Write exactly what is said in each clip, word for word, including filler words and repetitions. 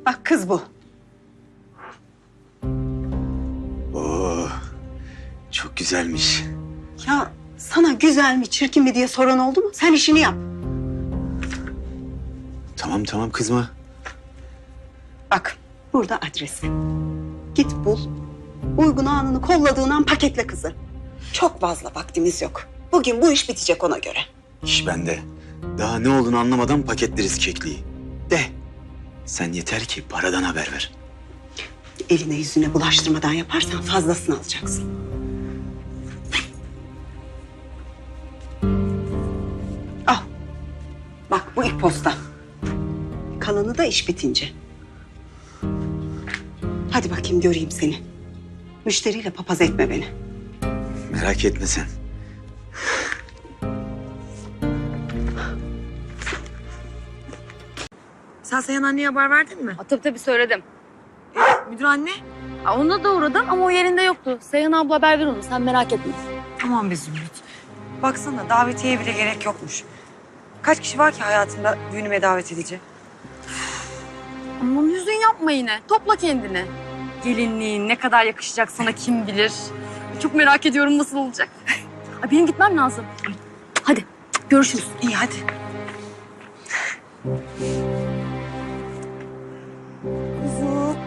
Bak kız bu. Oo, çok güzelmiş. Ya sana güzel mi çirkin mi diye soran oldu mu? Sen işini yap. Tamam tamam kızma. Bak burada adresi. Git bul. Uygun anını kolladığın an paketle kızı. Çok fazla vaktimiz yok. Bugün bu iş bitecek ona göre. İş bende. Daha ne olduğunu anlamadan paketleriz kekliği. De. Sen yeter ki paradan haber ver. Eline yüzüne bulaştırmadan yaparsan fazlasını alacaksın. Al. Bak bu ilk posta. Kalanı da iş bitince. Hadi bakayım göreyim seni. Müşteriyle papaz etme beni. Merak etme sen. Sen Seyhan anneye haber verdin mi? Ha, tabii tabii söyledim. Müdür anne. Ha, ona da uğradım ama o yerinde yoktu. Seyhan abla haber ver onu, sen merak etme. Tamam be Zümrüt. Baksana davetiye bile gerek yokmuş. Kaç kişi var ki hayatında düğünüme davet edici? Aman hüzün yapma yine. Topla kendini. Gelinliğin ne kadar yakışacak sana kim bilir. Çok merak ediyorum nasıl olacak. Ay, benim gitmem lazım. Hadi görüşürüz. İyi hadi. Kuzu.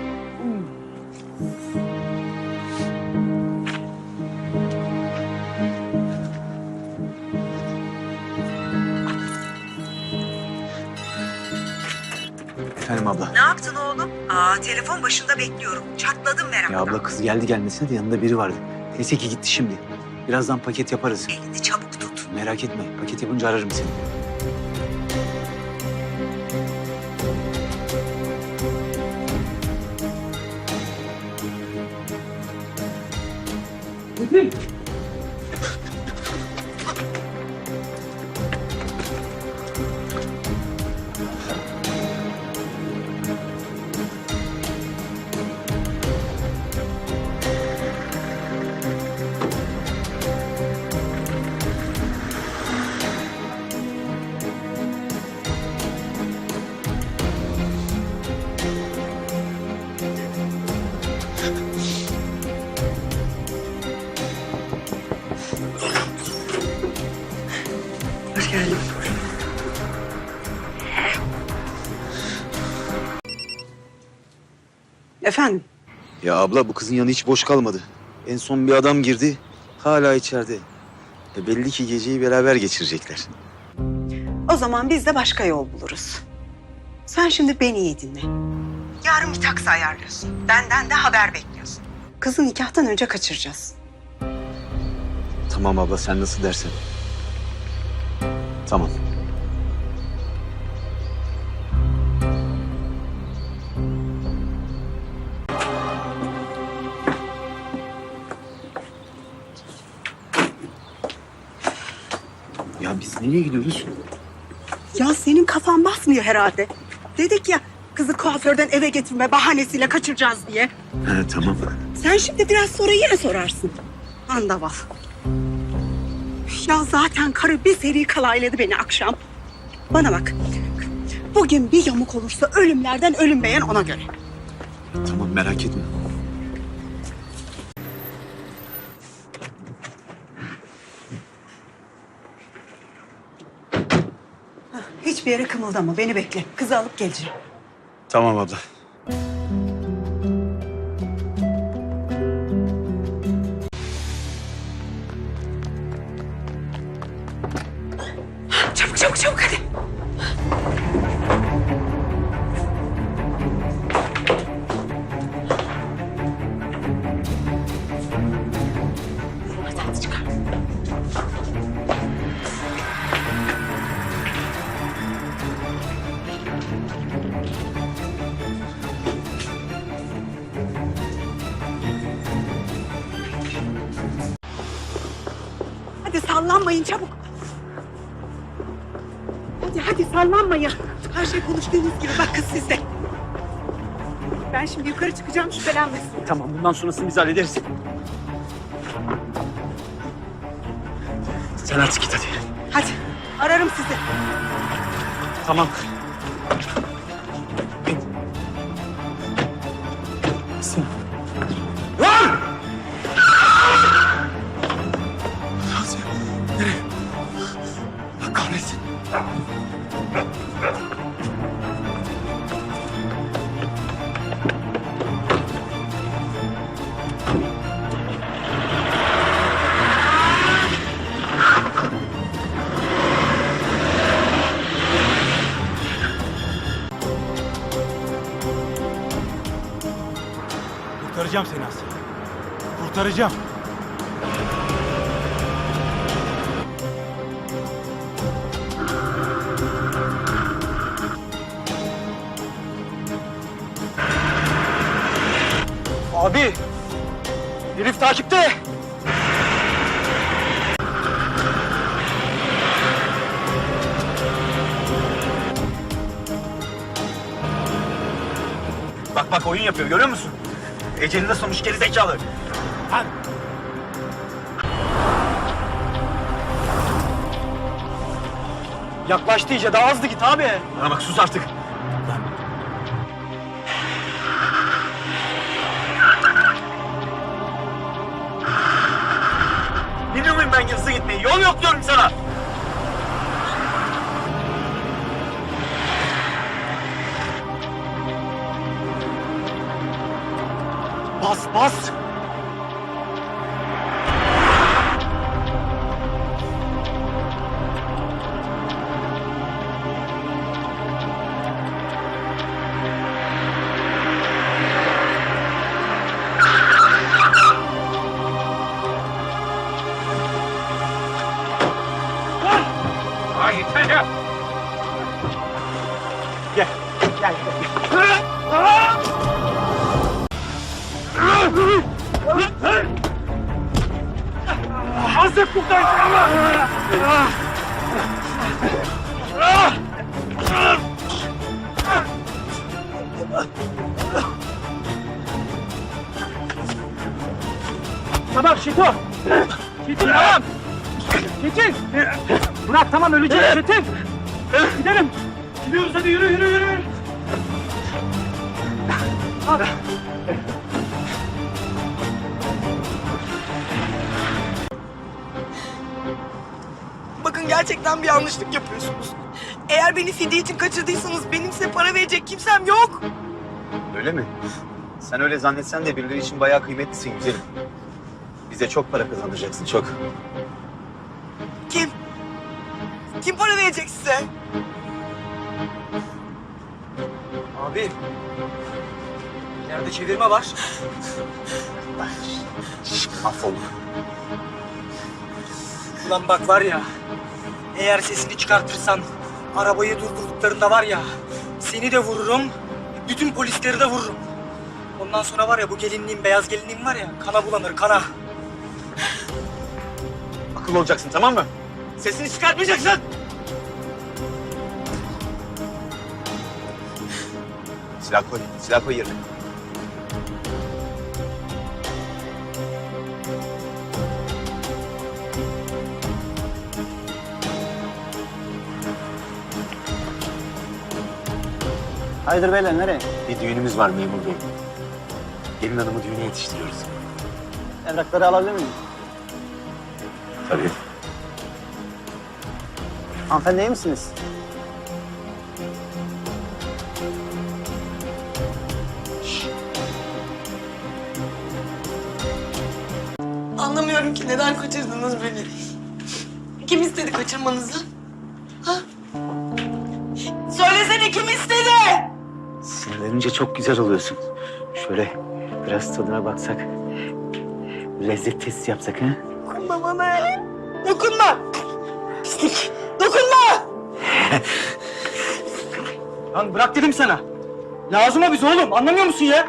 Efendim abla. Ne yaptın oğlum? Aa, telefon başında bekliyorum. Çatladım meraktan. Ya abla kız geldi gelmesine de yanında biri vardı. Neyse ki gitti şimdi. Birazdan paket yaparız. Elini çabuk tut. Merak etme. Paket yapınca ararım seni. Hoş geldin. Efendim? Ya abla bu kızın yanı hiç boş kalmadı. En son bir adam girdi. Hala içeride. E belli ki geceyi beraber geçirecekler. O zaman biz de başka yol buluruz. Sen şimdi beni iyi dinle. Yarın bir taksi ayarlıyorsun. Benden de haber bekliyorsun. Kızı nikahtan önce kaçıracağız. Tamam abla sen nasıl dersen. Tamam. Ya biz nereye gidiyoruz? Ya senin kafan basmıyor herhalde. Dedik ya kızı kuaförden eve getirme bahanesiyle kaçıracağız diye. Ha, tamam. Sen şimdi biraz sonra yine sorarsın. Andaval. Ya zaten karı bir seri kalayladı beni akşam. Bana bak. Bugün bir yamuk olursa ölümlerden ölüm beğen ona göre. Tamam merak etme. Hiçbir yere kımıldama beni bekle. Kızı alıp geleceğim. Tamam abla. Çabuk çabuk çabuk hadi. Hadi hadi çıkar. Hadi sallanmayın çabuk. Hadi hadi sallanmayın. Her şey konuştuğumuz gibi bak kız sizde. Ben şimdi yukarı çıkacağım şüphelenmesin. Tamam bundan sonrasını biz hallederiz. Sen artık git hadi. Hadi ararım sizi. Tamam. Kurtaracağım seni Asya. Kurtaracağım. Abi! Herif takipte! Bak bak oyun yapıyor görüyor musun? Ecelini de sonuç geri zekalı. Lan! Yaklaştı iyice daha hızlı git abi. Bana bak sus artık. Biliyor muyum ben hızlı gitmeyi? Yol yok diyorum sana. Bas bas. Gel, gel, gel. Hazır buradan. Tamam Şito. Çetin tamam. Çetin. Bırak tamam öleceğiz Çetin. Gidelim. Gidiyoruz hadi yürü yürü yürü. Hadi. Bakın gerçekten bir yanlışlık yapıyorsunuz. Eğer beni fidye için kaçırdıysanız benim size para verecek kimsem yok. Öyle mi? Sen öyle zannetsen de birileri için bayağı kıymetlisin güzelim. Bize çok para kazandıracaksın çok. Kim? Kim para verecek size? Abi. Yerde çevirme var. Mahvolduk. Ulan bak var ya. Eğer sesini çıkartırsan arabayı durdurduklarında var ya. Seni de vururum. Bütün polisleri de vururum. Ondan sonra var ya bu gelinliğim, beyaz gelinliğim var ya. Kana bulanır kana. Akıllı olacaksın tamam mı? Sesini çıkartmayacaksın. Silah koy, silah koy yerine. Hayırdır beyler nereye? Bir düğünümüz var memur bey. Gelin hanımı düğüne yetiştiriyoruz. Evrakları alabilir miyim? Tabii. Hanımefendi iyi misiniz? Anlamıyorum ki neden kaçırdınız beni. Kim istedi kaçırmanızı? Ha? Söylesene kim istedi? Sinirlenince çok güzel oluyorsun. Şöyle biraz tadına baksak. Lezzet testi yapsak ha? Dokunma bana ya. Dokunma. Pislik. Dokunma. Lan bırak dedim sana. Lazım o bize oğlum. Anlamıyor musun ya?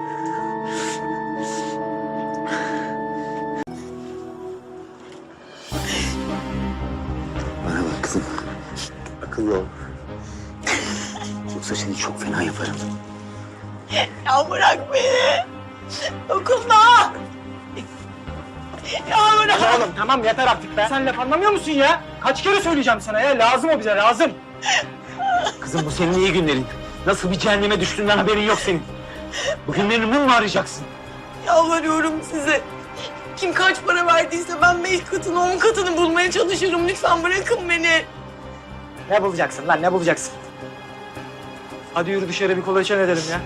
Bana bak kızım. Akıllı ol. Yoksa seni çok fena yaparım. Ya bırak beni. Dokunma. Ya bırak. Oğlum tamam yeter artık be. Sen laf anlamıyor musun ya? Kaç kere söyleyeceğim sana ya? Lazım o bize lazım. Kızım bu senin iyi günlerin. Nasıl bir cehenneme düştüğünden haberin yok senin. Bu günlerini mum mu arayacaksın? Yalvarıyorum size. Kim kaç para verdiyse ben beş katını, on katını bulmaya çalışırım. Lütfen bırakın beni. Ne bulacaksın lan ne bulacaksın? Hadi yürü dışarı bir kolaçan edelim ya.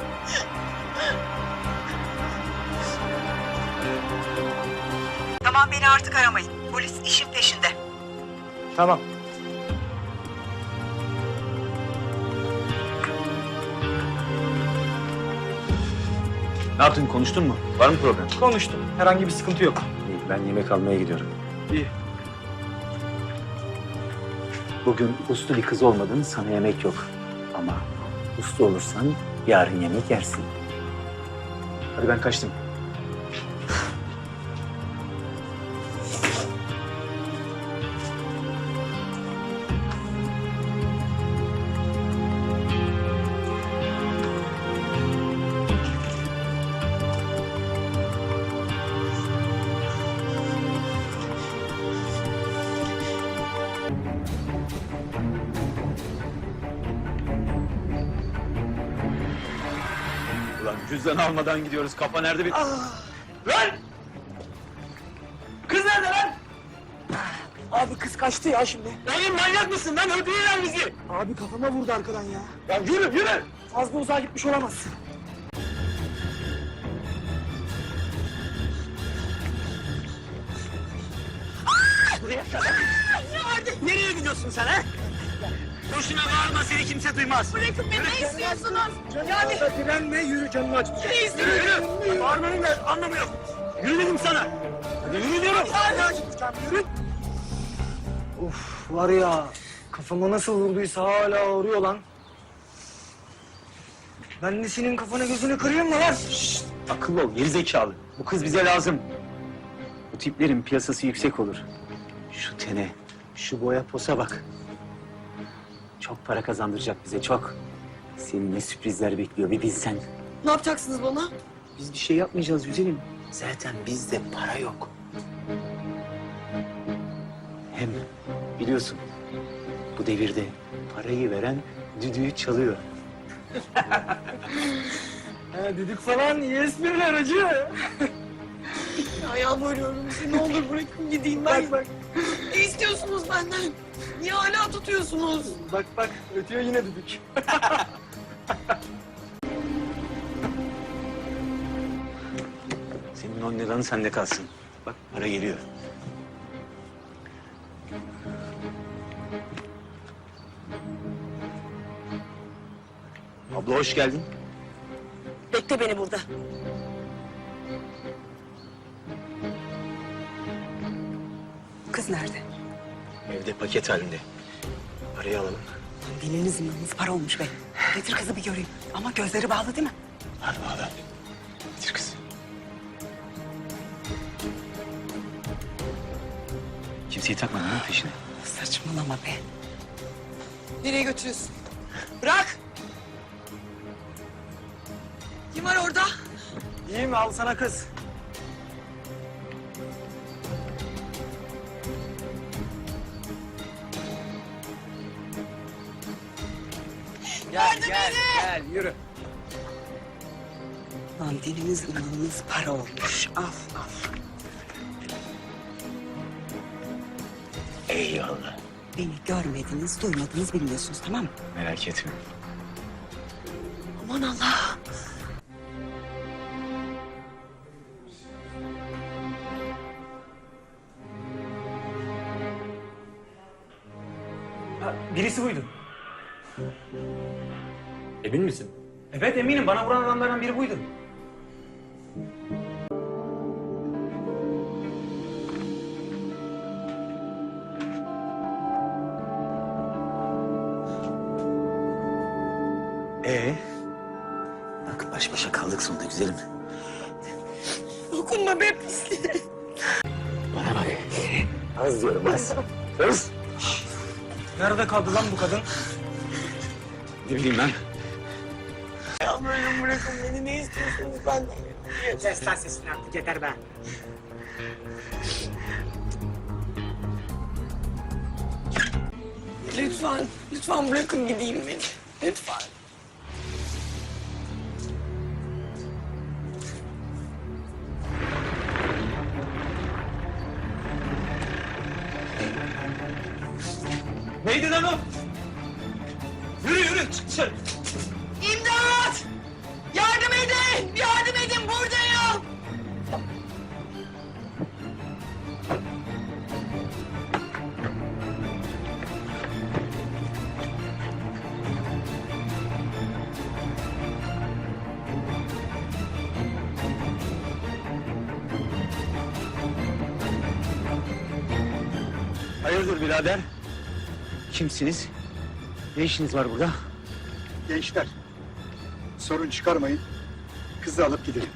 Tamam beni artık aramayın. Polis işin peşinde. Tamam. Ne yaptın, konuştun mu? Var mı problem? Konuştum. Herhangi bir sıkıntı yok. İyi, ben yemek almaya gidiyorum. İyi. Bugün uslu bir kız olmadın, sana yemek yok. Ama uslu olursan yarın yemek yersin. Hadi ben kaçtım. Ulan cüzdan almadan gidiyoruz. Kafa nerede bir... Lan! Kız nerede lan? Abi kız kaçtı ya şimdi. Oğlum manyak mısın lan? Öldürürler bizi. Abi kafama vurdu arkadan ya. Ya yürü yürü. Fazla uzağa gitmiş olamaz. Buraya kadar. Nereye gidiyorsun sen ha? Boşuna bağırma, seni kimse duymaz. Bırakın beni, ne istiyorsunuz? Yani... Direnme, yürü, canını acıtacak. Ne istiyorsun? Yürü, yürü. Bağırmanın ne anlamı yok. Yürü dedim sana. Hadi yürü diyorum. Canını acıtacağım, yürü. Of, var ya, kafama nasıl vurduysa hala ağrıyor lan. Ben de senin kafana gözünü kırayım mı lan? Şşt, akıllı ol, gerizekalı. Bu kız bize lazım. Bu tiplerin piyasası yüksek olur. Şu tene, şu boya posa bak. Çok para kazandıracak bize, çok. Seni ne sürprizler bekliyor bir bilsen. Ne yapacaksınız bana? Biz bir şey yapmayacağız güzelim. Zaten bizde para yok. Hem biliyorsun bu devirde parayı veren düdüğü çalıyor. He, düdük falan iyi espriler acı. Ya yalvarıyorum size, ne olur bırakın gideyim ben. Bak bak, Ne istiyorsunuz benden? Niye hala tutuyorsunuz? bak bak ötüyor yine düdük. Senin on liranın sende kalsın. Bak para geliyor. Abla hoş geldin. Bekle beni burada. Kız nerede? Evde paket halinde. Parayı alalım. Diliniz zımrınız para olmuş be. Getir kızı bir göreyim. Ama gözleri bağlı değil mi? Hadi bağla. Getir kız. Kimseyi takmadın değil mi peşine? Saçmalama be. Nereye götürüyorsun? Bırak! Kim var orada? İyi mi? Al sana kız. Gel gel gel yürü. Lan diliniz imanınız para olmuş. Al al. Eyvallah. Beni görmediniz, duymadınız, bilmiyorsunuz tamam mı? Merak etme. Aman Allah! Ha, birisi buydu. Emin misin? Evet eminim, bana vuran adamlardan biri buydu. Ee? Bak baş başa kaldık sonunda güzelim. Dokunma be pisliğe! Bana bak. Az diyorum az. Az. Nerede kaldı lan bu kadın? Ne bileyim ben. Yalvarıyorum bırakın beni, ne istiyorsunuz benden? Kes lan sesini artık, yeter be. Lütfen, lütfen bırakın gideyim beni. Lütfen. Neydi lan o? Yürü yürü, çık dışarı. İmdat! Yardım edin! Yardım edin, buradayım! Hayırdır birader? Kimsiniz? Ne işiniz var burada? Gençler, sorun çıkarmayın. Kızı alıp gidelim.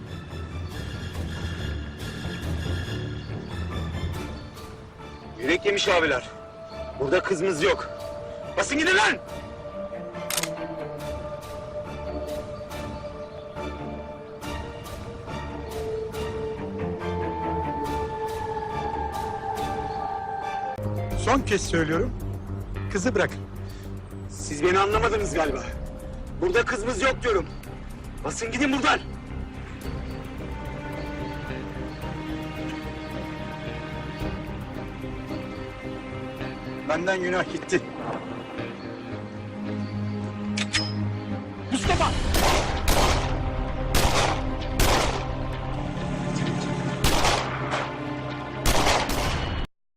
Yürek yemiş abiler. Burada kızımız yok. Basın gidin lan! Son kez söylüyorum. Kızı bırakın. Siz beni anlamadınız galiba. Burada kızımız yok diyorum. Basın gidin buradan. Benden günah gitti.